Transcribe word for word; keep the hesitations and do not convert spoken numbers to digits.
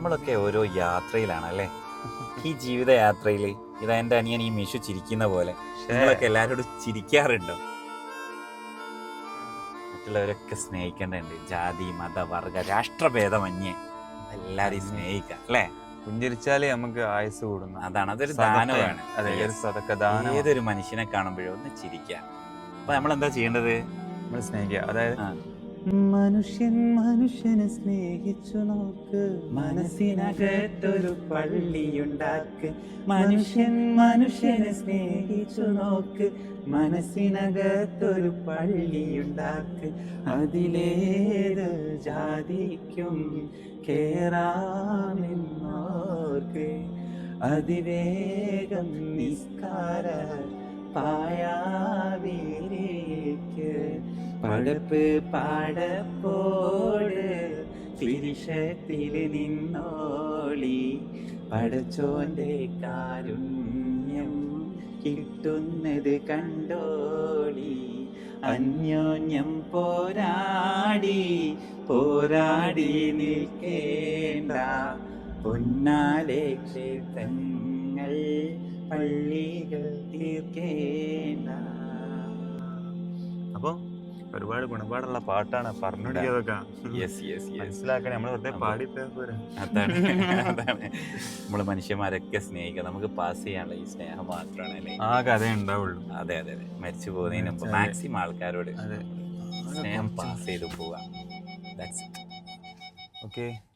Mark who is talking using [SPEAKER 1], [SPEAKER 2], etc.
[SPEAKER 1] നമ്മളൊക്കെ ഓരോ യാത്രയിലാണ് അല്ലേ? ഈ ജീവിത യാത്രയിൽ ഇതാ എൻ്റെ അനിയൻ ഈ മിഷു ചിരിക്കുന്ന പോലെ നിങ്ങളൊക്കെ എല്ലാവരോടും ചിരിക്കാറുണ്ടോ? മറ്റുള്ളവരൊക്കെ സ്നേഹിക്കേണ്ടതുണ്ട്. ജാതി മത വർഗ രാഷ്ട്രഭേദമന്യേ എല്ലാവരെയും സ്നേഹിക്കാം അല്ലേ?
[SPEAKER 2] പുഞ്ചിരിച്ചാലേ നമുക്ക് ആയുസ് കൂടുന്നു.
[SPEAKER 1] അതാണ്, അതൊരു ദാനമാണ്. ഏതൊരു മനുഷ്യനെ കാണുമ്പോഴും ഒന്ന് ചിരിക്കുക. അപ്പൊ നമ്മൾ എന്താ ചെയ്യേണ്ടത്?
[SPEAKER 2] നമ്മൾ സ്നേഹിക്കുക. അതായത്
[SPEAKER 1] മനുഷ്യൻ മനുഷ്യനെ സ്നേഹിച്ചു നോക്ക്, മനസ്സിനകത്തൊരു പള്ളിയുണ്ടാക്ക്. മനുഷ്യൻ മനുഷ്യനെ സ്നേഹിച്ചു നോക്ക്, മനസ്സിനകത്തൊരു പള്ളിയുണ്ടാക്ക്. അതിലേത് ജാതിക്കും കേറാമെന്നോർക്ക്, അതിവേഗം നിസ്കാര പായാവിരിക്ക്. പടപ്പ് പാടപ്പോട് തിരിശത്തിൽ നിന്നോളി, പടച്ചോന്റെ കാരുണ്യം കിട്ടുന്നത് കണ്ടോളി. അന്യോന്യം പോരാടി പോരാടി നിൽക്കേണ്ട, പൊന്നാലെ ക്ഷേത്രങ്ങൾ പള്ളികൾ തീർക്കേണ്ട.
[SPEAKER 2] അപ്പൊ ഒരുപാട് ഗുണപാടുള്ള പാട്ടാണ് പറഞ്ഞുകൊടുക്കിയതൊക്കെ. മനസ്സിലാക്കണേ, നമ്മൾ വെറുതെ പാടിപ്പോയാ പോരാ.
[SPEAKER 1] അതാണ് അതാണ് നമ്മള് മനുഷ്യന്മാരൊക്കെ സ്നേഹിക്കുക. നമുക്ക് പാസ് ചെയ്യാനുള്ള ഈ സ്നേഹം മാത്രമാണ് അല്ലേ
[SPEAKER 2] ആ കഥ ഉണ്ടാവുള്ളൂ.
[SPEAKER 1] അതെ അതെ അതെ മരിച്ചു പോകുന്നതിന് മുമ്പ് മാക്സിമം ആൾക്കാരോട് സ്നേഹം പാസ് ചെയ്ത് പോവാം.
[SPEAKER 2] ഓക്കെ.